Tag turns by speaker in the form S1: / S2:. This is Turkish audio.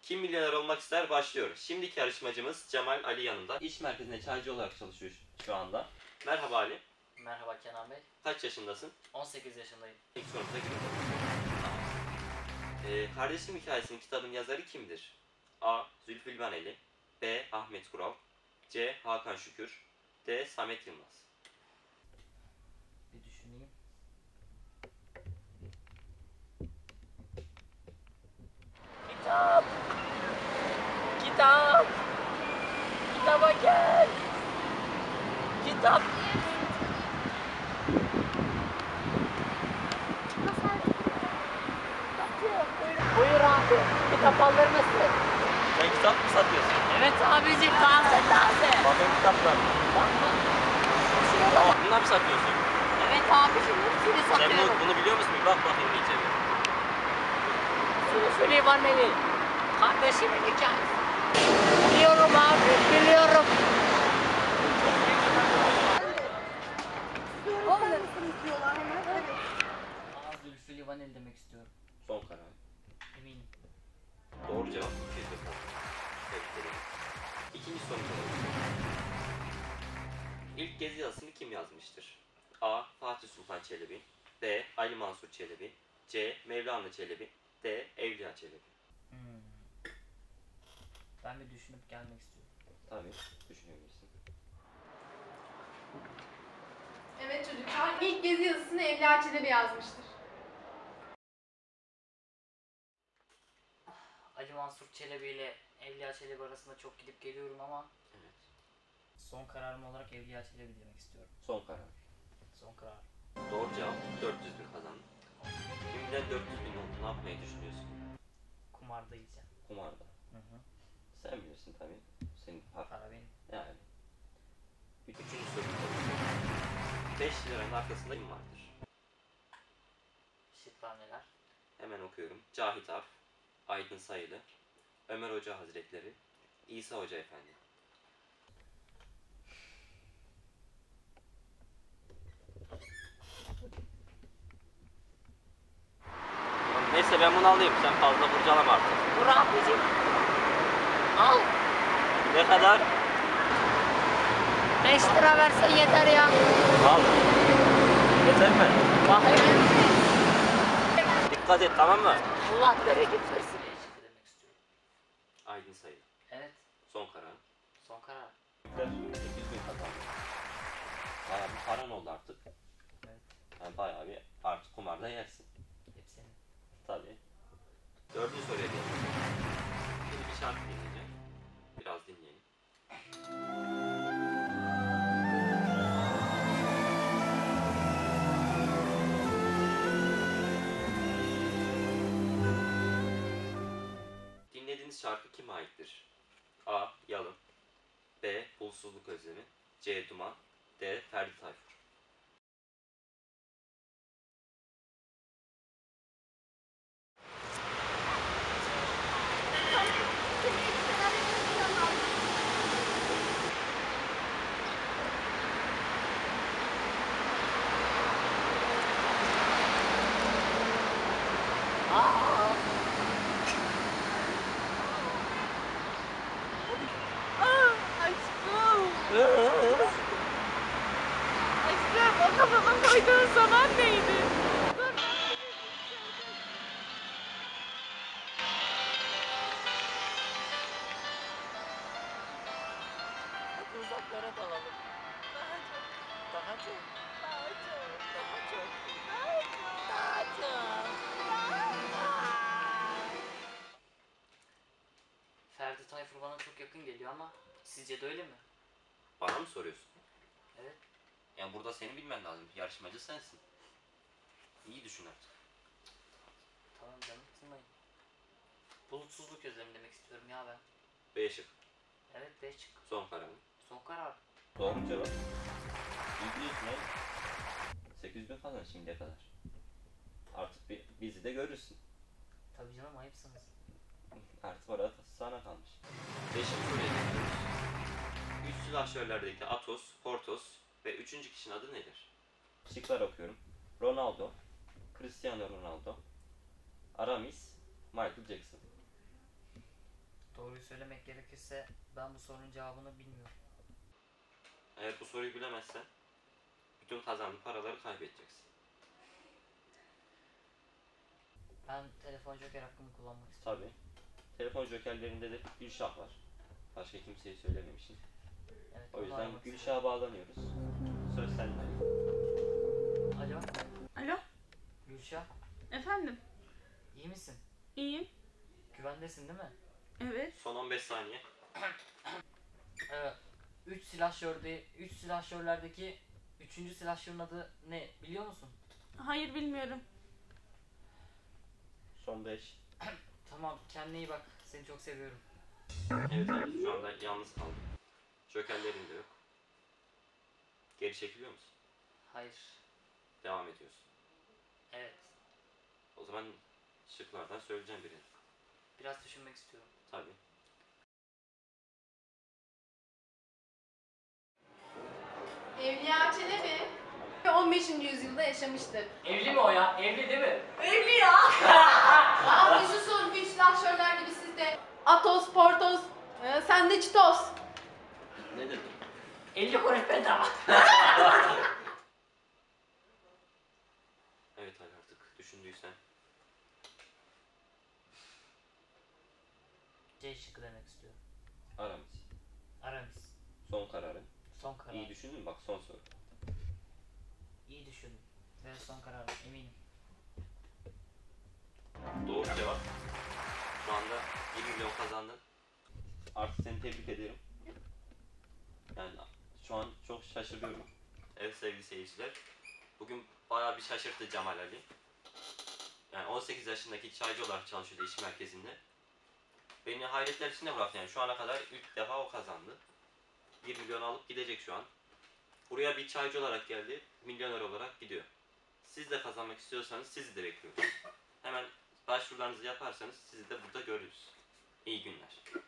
S1: Kim milyoner olmak ister başlıyor. Şimdiki yarışmacımız Cemal Ali yanında. İş merkezinde çaycı olarak çalışıyor şu anda. Merhaba Ali.
S2: Merhaba Kenan Bey.
S1: Kaç yaşındasın?
S2: 18 yaşındayım.
S1: İlk sorumuza girelim. Kardeşim Hikayesi'nin kitabın yazarı kimdir? A. Zülfü Livaneli, B. Ahmet Kural, C. Hakan Şükür, D. Samet Yılmaz.
S2: Bir düşüneyim. Kitap! Kitap! Kitaba gel! Kitap! Buyur abi. Kitap alır mısın?
S1: Sen kitap mı satıyorsun?
S2: Evet abicim, taze taze.
S1: Bakın kitaplar.
S2: Bakma.
S1: Bunlar mı satıyorsun?
S2: Evet abicim, hepsini
S1: Sen
S2: satıyorum.
S1: bunu biliyor musun? Bir bak bakayım iyice bir.
S2: Zülfü Livaneli. Kardeşimin hikayesi. Biliyorum abi, biliyorum.
S3: Alır mısınız diyorlar hemen. Evet.
S2: Zülfü Livaneli demek istiyorum.
S1: Son karar.
S2: Eminim.
S1: Doğru cevap. Tebrik ederim. İkinci sorumuza İlk gezi yazısını kim yazmıştır? A. Fatih Sultan Çelebi, B. Ali Mansur Çelebi, C. Mevlana Çelebi, D. Evliya Çelebi.
S2: Ben bir düşünüp gelmek istiyorum.
S1: Tabii, düşünebilirsin.
S3: Evet çocuklar, ilk gezi yazısını Evliya Çelebi yazmıştır.
S2: Ali Mansur Çelebi ile Evliya Çelebi arasında çok gidip geliyorum ama
S1: Evet.
S2: son kararım olarak Evliya Çelebi demek istiyorum.
S1: Son karar.
S2: Son karar.
S1: Doğru cevap 400 bin kazandın. Şimdiden 400 bin oldu. Ne yapmayı düşünüyorsun?
S2: Kumarda yiyeceğim.
S1: Kumarda.
S2: Hı hı.
S1: Sen bilirsin tabii. Senin
S2: Para benim.
S1: yani. Üçüncü soru. 5 liranın arkasında kim vardır?
S2: Şıklar neler?
S1: Hemen okuyorum. Cahit Arf, Aydın Sayılı, Ömer Hoca Hazretleri, İsa Hoca Efendi. Neyse ben bunu alayım. Sen fazla kurcalama artık.
S2: Dur abicim. Al.
S1: Ne kadar?
S2: 5 lira versen yeter ya.
S1: Al. Yeter mi?
S2: Bakayım.
S1: Dikkat et, tamam mı?
S2: Allah bereket versin. Şıkkı demek istiyorum.
S1: Aydın Sayılı.
S2: Evet.
S1: Son karar.
S2: Son karar.
S1: 800 bin kazandın. Bayağı bir paran oldu artık.
S2: Evet.
S1: Yani bayağı bir artık kumarda yersin.
S2: Hepsini.
S1: Tabii. Dördüncü soruya geçelim. Şimdi bir şarkı dinleyeceğim. Biraz dinleyelim. Dinlediğiniz şarkı kime aittir? A. Yalın, B. Bulutsuzluk Özlemi, C. Duman, D. Ferdi Tayfur.
S3: Aşkım, o kafama koyduğun zaman neydi?
S2: Hadi uzaklara dalalım. Daha çok. Daha çok. Daha çok. Daha çok. Ferdi Tayfur bana çok yakın geliyor ama sizce de öyle mi?
S1: Bana mı soruyorsun?
S2: Evet.
S1: Yani burada seni bilmen lazım. Yarışmacı sensin. İyi düşün artık.
S2: Tamam canım, kızmayın. Bulutsuzluk özlemi demek istiyorum ya ben.
S1: B şık.
S2: Evet, 5 çık.
S1: Son kararım.
S2: Son karar.
S1: Doğru cevap. İyi biliyorsun oğlum. 800 bin kazan şimdiye kadar. Artık bizi de görürsün.
S2: Tabii canım, ayıpsınız.
S1: Artık orada sana kalmış. Beşinci soruya geçiyoruz. Üç silahşörlerdeki Atos, Portos ve üçüncü kişinin adı nedir? Şıklar okuyorum. Ronaldo, Cristiano Ronaldo, Aramis, Michael Jackson.
S2: Doğruyu söylemek gerekirse ben bu sorunun cevabını bilmiyorum.
S1: Eğer bu soruyu bilemezsen bütün kazandığın paraları kaybedeceksin.
S2: Ben telefon joker hakkımı kullanmak istiyorum.
S1: Tabii. Telefon jokerlerinde de Gülşah var. Başka kimseye söylememişim.
S2: Evet,
S1: O
S2: onu
S1: yüzden
S2: aramak
S1: Gülşah'a bağlanıyoruz. Söz sende.
S2: istiyorum. Alo,
S4: Alo,
S2: Gülşah.
S4: efendim.
S2: İyi misin?
S4: İyiyim.
S2: Güvendesin değil mi?
S4: Evet.
S1: Son 15 saniye.
S2: Evet. 3 silahşörlerdeki 3. silahşörün adı ne biliyor musun?
S4: Hayır, bilmiyorum.
S1: Son 5.
S2: Tamam, kendine iyi bak. Seni çok seviyorum.
S1: Evet Ali, şu anda yalnız kaldım. Jokerlerin de yok. Geri çekiliyor musun?
S2: Hayır.
S1: Devam ediyorsun.
S2: Evet.
S1: O zaman şıklardan söyleyeceğim birini.
S2: Biraz düşünmek istiyorum.
S1: Tabii.
S3: Evliya Çelebi 15. yüzyılda yaşamıştır.
S2: Evli mi o ya? Evli değil mi?
S3: Evli ya! Aa, bir susun. Güç silahşörler gibi sizde. Atos, Portos, sen de Çitos.
S1: Ne dedim?
S2: 50 kuruş bedava.
S1: Evet Ali, artık düşündüysen.
S2: C şıkkı demek istiyorum.
S1: Aramis.
S2: Aramis.
S1: Son kararın.
S2: Son karar.
S1: İyi düşündün mü? Bak son soru.
S2: İyi düşündüm. Ve son kararım eminim.
S1: Doğru cevap. Şu anda 1 milyon kazandın. Artık seni tebrik ederim. Yani şu an çok şaşırıyorum. Evet sevgili seyirciler. Bugün bayağı bir şaşırttı Cemal Ali. Yani 18 yaşındaki çaycı olarak çalışıyordu iş merkezinde. Beni hayretler içinde bıraktı yani. Şu ana kadar 3 defa o kazandı. 1 milyon alıp gidecek şu an. Buraya bir çaycı olarak geldi. Milyoner olarak gidiyor. Siz de kazanmak istiyorsanız sizi de bekliyoruz. Hemen başvurularınızı yaparsanız sizi de burada görürüz. İyi günler.